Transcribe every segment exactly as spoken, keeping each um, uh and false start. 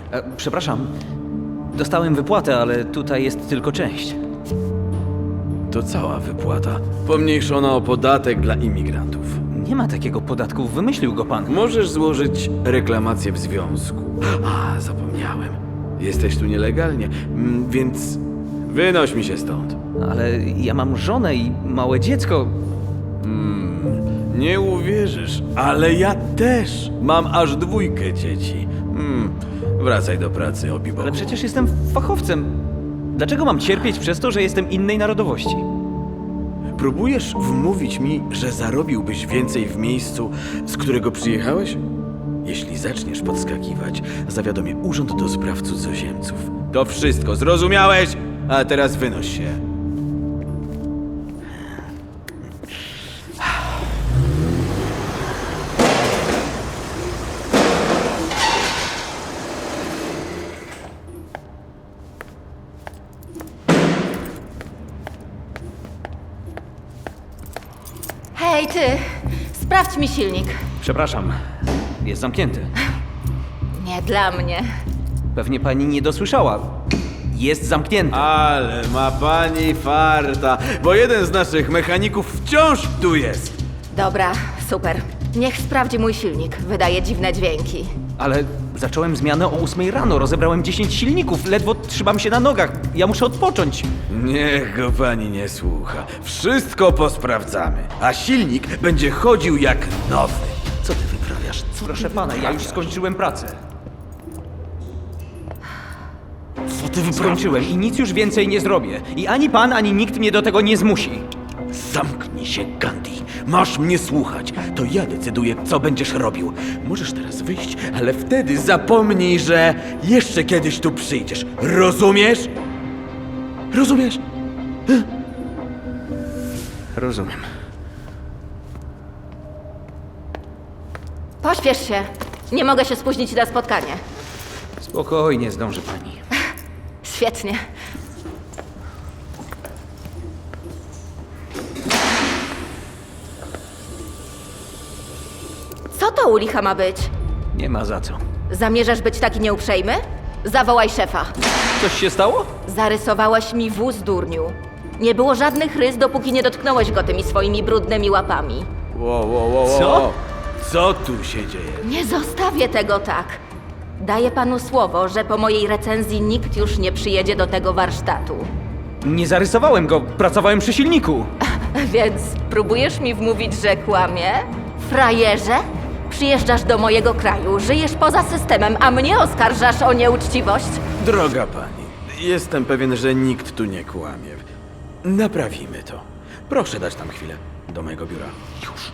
E, przepraszam. Dostałem wypłatę, ale tutaj jest tylko część. To cała wypłata. Pomniejszona o podatek dla imigrantów. Nie ma takiego podatku, wymyślił go pan. Możesz złożyć reklamację w związku. A, zapomniałem. Jesteś tu nielegalnie, mm, więc wynoś mi się stąd. Ale ja mam żonę i małe dziecko. Nie uwierzysz, ale ja też mam aż dwójkę dzieci. Hmm, wracaj do pracy, obibo. Ale przecież jestem fachowcem. Dlaczego mam cierpieć przez to, że jestem innej narodowości? Próbujesz wmówić mi, że zarobiłbyś więcej w miejscu, z którego przyjechałeś? Jeśli zaczniesz podskakiwać, zawiadomię Urząd do Spraw Cudzoziemców. To wszystko, zrozumiałeś? A teraz wynoś się. Hej, ty! Sprawdź mi silnik. Przepraszam. Jest zamknięty. Nie dla mnie. Pewnie pani nie dosłyszała. Jest zamknięty. Ale ma pani farta, bo jeden z naszych mechaników wciąż tu jest. Dobra, super. Niech sprawdzi mój silnik. Wydaje dziwne dźwięki. Ale zacząłem zmianę o ósmej rano. Rozebrałem dziesięć silników. Ledwo trzymam się na nogach. Ja muszę odpocząć. Niech go pani nie słucha. Wszystko posprawdzamy, a silnik będzie chodził jak nowy. Co ty wyprawiasz? Co Proszę ty pana, ja już wyprawiasz? skończyłem pracę. Co ty wyprawiasz? Skończyłem i nic już więcej nie zrobię. I ani pan, ani nikt mnie do tego nie zmusi. Zamknij się, Gandhi. Masz mnie słuchać. To ja decyduję, co będziesz robił. Możesz teraz wyjść, ale wtedy zapomnij, że jeszcze kiedyś tu przyjdziesz. Rozumiesz? Rozumiesz? Rozumiem. Pośpiesz się. Nie mogę się spóźnić na spotkanie. Spokojnie, zdąży pani. Świetnie. Co to u licha ma być? Nie ma za co. Zamierzasz być taki nieuprzejmy? Zawołaj szefa. Coś się stało? Zarysowałeś mi wóz, durniu. Nie było żadnych rys, dopóki nie dotknąłeś go tymi swoimi brudnymi łapami. Wow, wow, wow, wow. Co? Co tu się dzieje? Nie zostawię tego tak. Daję panu słowo, że po mojej recenzji nikt już nie przyjedzie do tego warsztatu. Nie zarysowałem go. Pracowałem przy silniku. Więc próbujesz mi wmówić, że kłamie? Frajerze? Przyjeżdżasz do mojego kraju, żyjesz poza systemem, a mnie oskarżasz o nieuczciwość? Droga pani, jestem pewien, że nikt tu nie kłamie. Naprawimy to. Proszę dać tam chwilę. Do mojego biura. Już.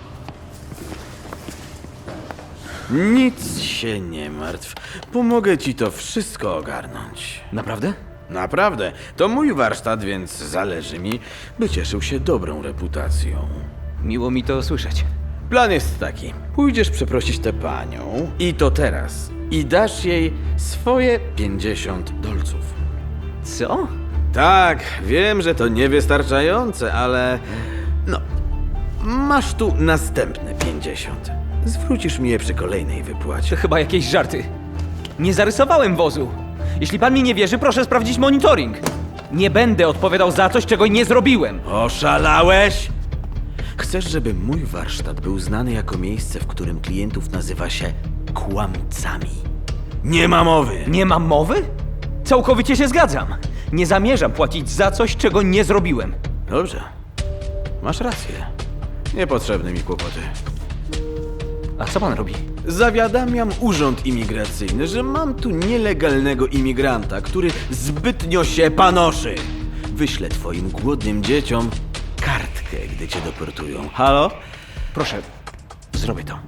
Nic się nie martw. Pomogę ci to wszystko ogarnąć. Naprawdę? Naprawdę, to mój warsztat, więc zależy mi, by cieszył się dobrą reputacją. Miło mi to słyszeć. Plan jest taki. Pójdziesz przeprosić tę panią i to teraz. I dasz jej swoje pięćdziesiąt dolców. Co? Tak, wiem, że to niewystarczające, ale... No, masz tu następne pięćdziesiąt. Zwrócisz mi je przy kolejnej To wypłacie. chyba jakieś żarty. Nie zarysowałem wozu. Jeśli pan mi nie wierzy, proszę sprawdzić monitoring. Nie będę odpowiadał za coś, czego nie zrobiłem. Oszalałeś? Chcesz, żeby mój warsztat był znany jako miejsce, w którym klientów nazywa się kłamcami. Nie ma mowy! Nie mam mowy? Całkowicie się zgadzam. Nie zamierzam płacić za coś, czego nie zrobiłem. Dobrze, masz rację. Niepotrzebne mi kłopoty. A co pan robi? Zawiadamiam urząd imigracyjny, że mam tu nielegalnego imigranta, który zbytnio się panoszy. Wyślę twoim głodnym dzieciom kartkę, gdy cię deportują. Halo? Proszę, zrobię to.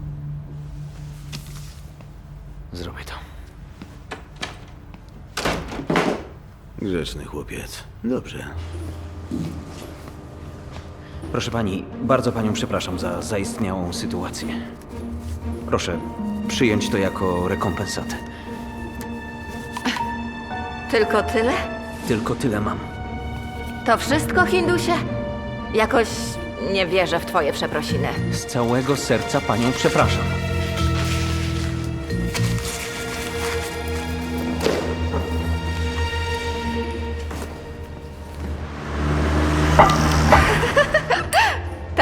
Zrobię to. Grzeczny chłopiec. Dobrze. Proszę pani, bardzo panią przepraszam za zaistniałą sytuację. Proszę przyjąć to jako rekompensatę. Tylko tyle? Tylko tyle mam. To wszystko, Hindusie? Jakoś nie wierzę w twoje przeprosiny. Z całego serca panią przepraszam.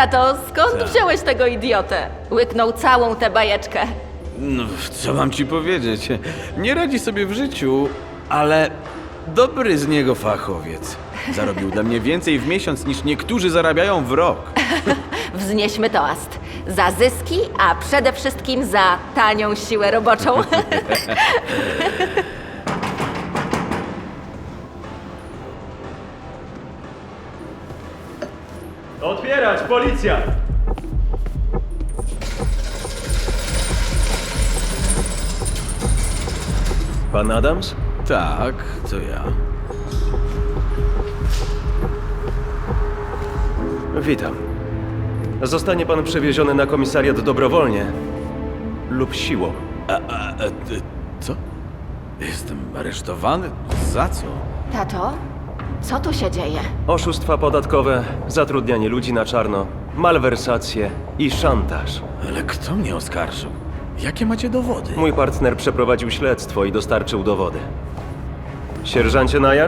Tato, skąd wziąłeś tego idiotę? Łyknął całą tę bajeczkę. No, co mam ci powiedzieć? Nie radzi sobie w życiu, ale dobry z niego fachowiec. Zarobił dla mnie więcej w miesiąc niż niektórzy zarabiają w rok. Wznieśmy toast. Za zyski, a przede wszystkim za tanią siłę roboczą. Otwierać, policja! Pan Adams? Tak, to ja. Witam. Zostanie pan przewieziony na komisariat dobrowolnie lub siłą. A, a, a, ty- co? Jestem aresztowany? Za co? Tato, co tu się dzieje? Oszustwa podatkowe, zatrudnianie ludzi na czarno, malwersacje i szantaż. Ale kto mnie oskarżył? Jakie macie dowody? Mój partner przeprowadził śledztwo i dostarczył dowody. Sierżancie Najar?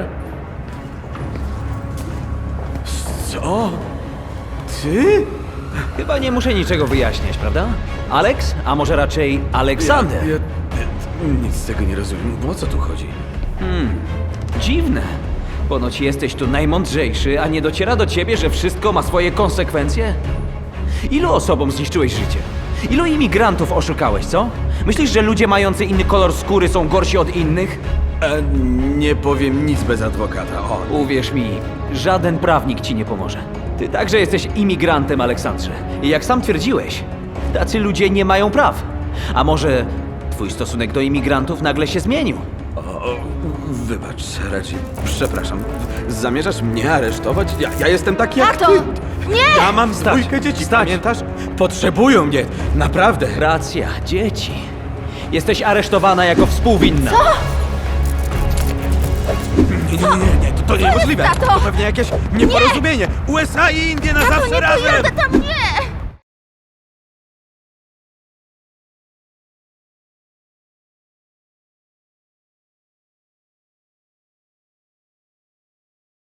Co? Ty? Chyba nie muszę niczego wyjaśniać, prawda? Alex? A może raczej Aleksander? Ja, ja, ja nic z tego nie rozumiem. O co tu chodzi? Dziwne. Ponoć jesteś tu najmądrzejszy, a nie dociera do ciebie, że wszystko ma swoje konsekwencje? Ilu osobom zniszczyłeś życie? Ilu imigrantów oszukałeś, co? Myślisz, że ludzie mający inny kolor skóry są gorsi od innych? E, nie powiem nic bez adwokata. O, Uwierz mi, żaden prawnik ci nie pomoże. Ty także jesteś imigrantem, Aleksandrze. I jak sam twierdziłeś, tacy ludzie nie mają praw. A może twój stosunek do imigrantów nagle się zmienił? o, wybacz, Reggie. Przepraszam. Zamierzasz mnie aresztować? Ja, ja jestem taki jak Tato! ty. Nie! Ja mam dwójkę dzieci, pamiętasz? Potrzebują mnie. Naprawdę. Racja, dzieci. Jesteś aresztowana jako współwinna. Co? Nie, nie, nie, nie, to, to niemożliwe. tato? To pewnie jakieś nieporozumienie. U S A i Indie na zawsze nie razem. pojadę tam, nie!